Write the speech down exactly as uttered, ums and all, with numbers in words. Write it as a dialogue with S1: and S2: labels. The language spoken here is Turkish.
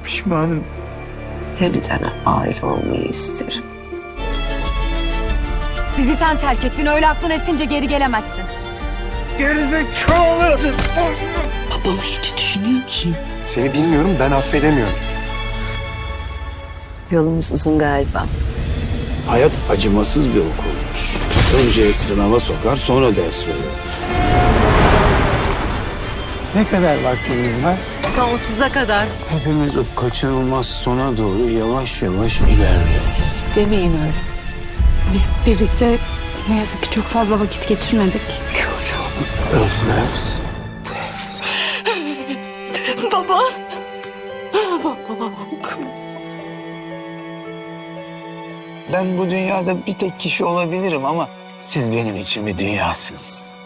S1: Pişmanım.
S2: Yeniden aile olmayı isterim.
S3: Bizi sen terk ettin, öyle aklın esince geri gelemezsin.
S1: Gerizekalı!
S2: Babamı hiç düşünüyor musun?
S4: Seni bilmiyorum, ben affedemiyorum.
S2: Yolumuz uzun galiba.
S5: Hayat acımasız bir okulmuş. Önce sınava sokar, sonra ders verir.
S1: Ne kadar vaktimiz var?
S2: Sonsuza kadar.
S5: Hepimiz o kaçınılmaz sona doğru yavaş yavaş ilerliyoruz.
S2: Demeyin öyle.
S6: Biz birlikte ne yazık ki çok fazla vakit geçirmedik.
S5: Çocuğunu özlersin.
S2: Baba.
S1: Ben bu dünyada bir tek kişi olabilirim ama siz benim için bir dünyasınız.